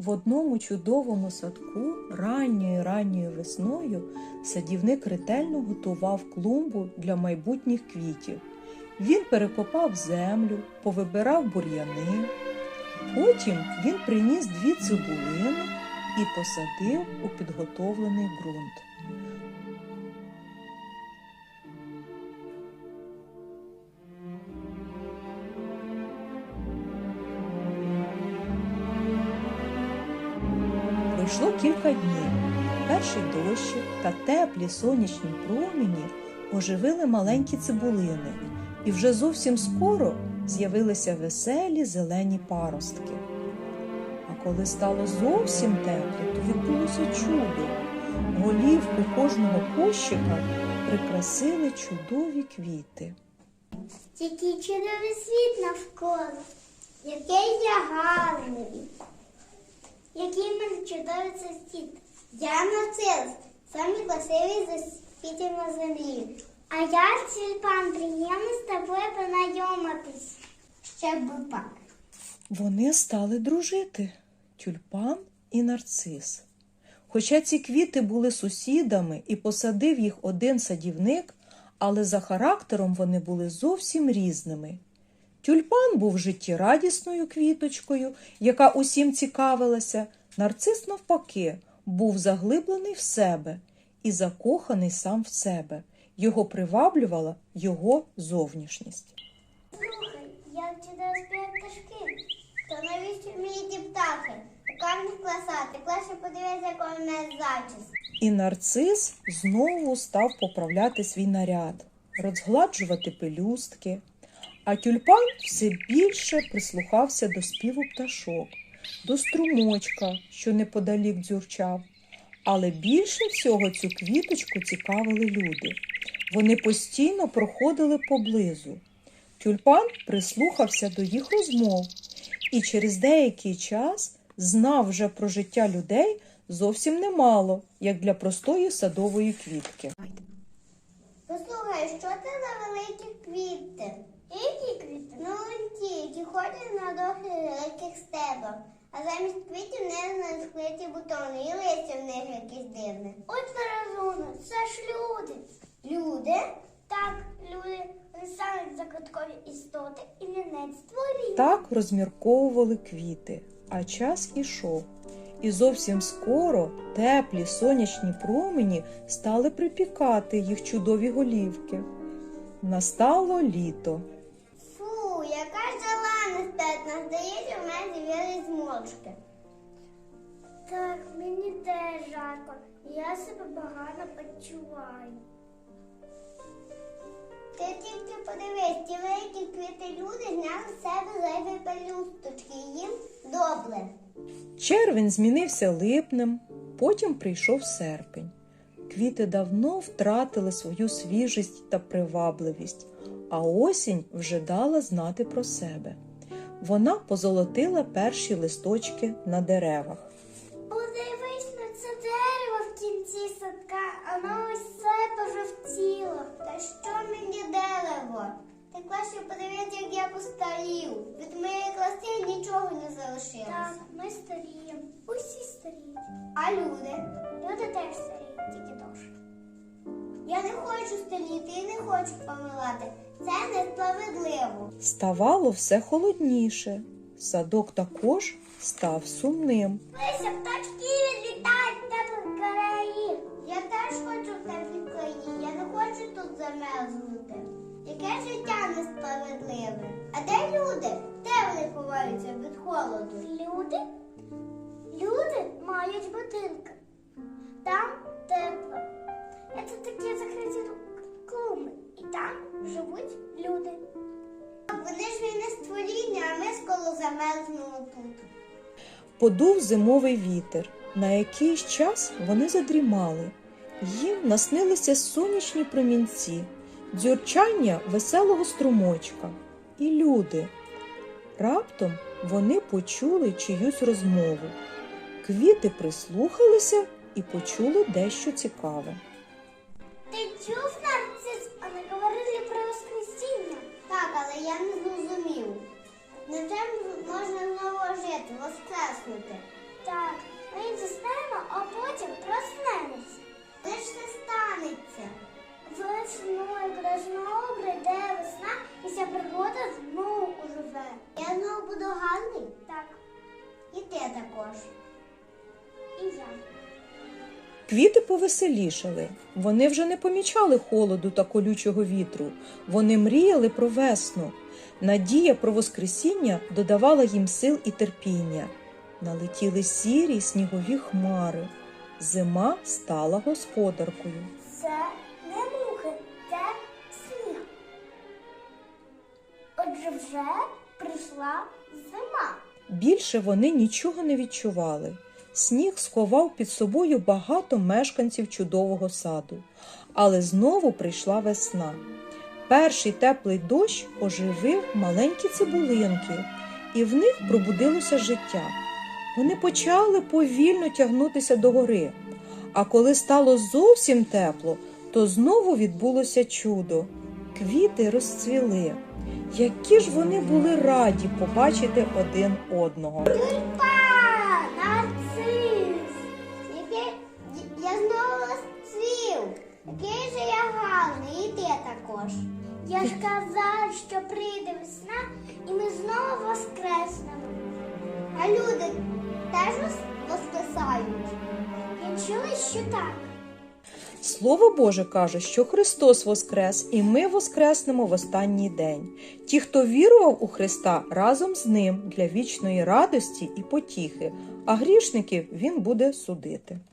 В одному чудовому садку ранньою весною садівник ретельно готував клумбу для майбутніх квітів. Він перекопав землю, повибирав бур'яни. Потім він приніс 2 цибулини і посадив у підготовлений ґрунт. Пройшло кілька днів. Перший дощик та теплі сонячні промені оживили маленькі цибулини, і вже зовсім скоро з'явилися веселі зелені паростки. А коли стало зовсім тепло, то відбулося чудо. Голівку кожного кущика прикрасили чудові квіти. Який чудовий світ навколо, який я гарний, який в мене чудовий цей світ. Я нарцис, самий красивий з квітів на землі. А я тюльпан, приємно з тобою познайомитись. Ще б пак. Вони стали дружити – тюльпан і нарцис. Хоча ці квіти були сусідами і посадив їх один садівник, але за характером вони були зовсім різними. Тюльпан був життєрадісною квіточкою, яка усім цікавилася. Нарцис, навпаки, був заглиблений в себе і закоханий сам в себе. Його приваблювала його зовнішність. Слухай, як чудово співають пташки. То навіщо мені ті птахи? Яка в них краса? Ти краще подивись, яка в мене зачіска. І нарцис знову став поправляти свій наряд, розгладжувати пелюстки. А тюльпан все більше прислухався до співу пташок, до струмочка, що неподалік дзюрчав. Але більше всього цю квіточку цікавили люди. Вони постійно проходили поблизу. Тюльпан прислухався до їх розмов і через деякий час знав вже про життя людей зовсім немало, як для простої садової квітки. Послухай, що це за великі квіти? Які квіти? Ну, ті, які ходять на довгих великих стеблах. А замість квітів не розкриті бутони і листя в них якісь дивне. От розумно, це ж люди. Люди? Так, люди. Вони самі загадкові істоти і вінець створіння. Так розмірковували квіти, а час ішов. І зовсім скоро теплі сонячні промені стали припікати їх чудові голівки. Настало літо. Фу, яка ж жала нестетна. Здається, в мене з'явились зморшки. Так, мені теж жарко. Я себе погано почуваю. Ти тільки подивись, ті великі квіти люди зняли з себе зайві пелюсточки. Їм добре. Червень змінився липнем, потім прийшов серпень. Квіти давно втратили свою свіжість та привабливість, а осінь вже дала знати про себе. Вона позолотила перші листочки на деревах. Подивись на це дерево в кінці садка, воно ось все пожовтіло. Та що мені дерево? Ти краще подивись, як я постарів. Від моєї краси нічого не залишилося. Так, ми старіємо. Усі старіють. А люди? Люди теж старіють, тільки довше. Я не хочу старіти і не хочу помирати. Це несправедливо. Ставало все холодніше. Садок також став сумним. Лися, птачки відлітають в теплих країв. Я теж хочу в теплі краї. Я не хочу тут замерзнути. Яке життя несправедливе. А де люди? Де вони ховаються від холоду? Люди? Люди мають будинки. Там тепло. Це такі закриті клуби. І там живуть люди. Вони ж не створіння, а ми скоро замерзнемо тут. Подув зимовий вітер. На якийсь час вони задрімали. Їм наснилися сонячні промінці, дзюрчання веселого струмочка і люди. Раптом вони почули чиюсь розмову. Квіти прислухалися і почули дещо цікаве. Ти чув, нарцис? Вони говорили про воскресіння. Так, але я не зрозумів. Невже можна знову жити, воскреснути? Так, ми заснемо, а потім проснемось. Де ж це станеться? Весною, коли знову прийде весна, і вся природа знову оживе. Я знову буду гарний? Так. І ти також. І я. Квіти повеселішали. Вони вже не помічали холоду та колючого вітру. Вони мріяли про весну. Надія про воскресіння додавала їм сил і терпіння. Налетіли сірі снігові хмари. Зима стала господаркою. Це не мухи, це сніг. Отже, вже прийшла зима. Більше вони нічого не відчували. Сніг сховав під собою багато мешканців чудового саду. Але знову прийшла весна. Перший теплий дощ оживив маленькі цибулинки, і в них пробудилося життя. Вони почали повільно тягнутися догори. А коли стало зовсім тепло, то знову відбулося чудо. Квіти розцвіли. Які ж вони були раді побачити один одного. Тюльпан, нарцис. Я знову розцвів. Який же я гарний, і ти також. Я ж казав, що прийде весна, і ми знову воскреснемо. А люди теж воскресають. Я чула, що так. Слово Боже каже, що Христос воскрес, і ми воскреснемо в останній день. Ті, хто вірував у Христа, разом з Ним для вічної радості і потіхи, а грішників Він буде судити.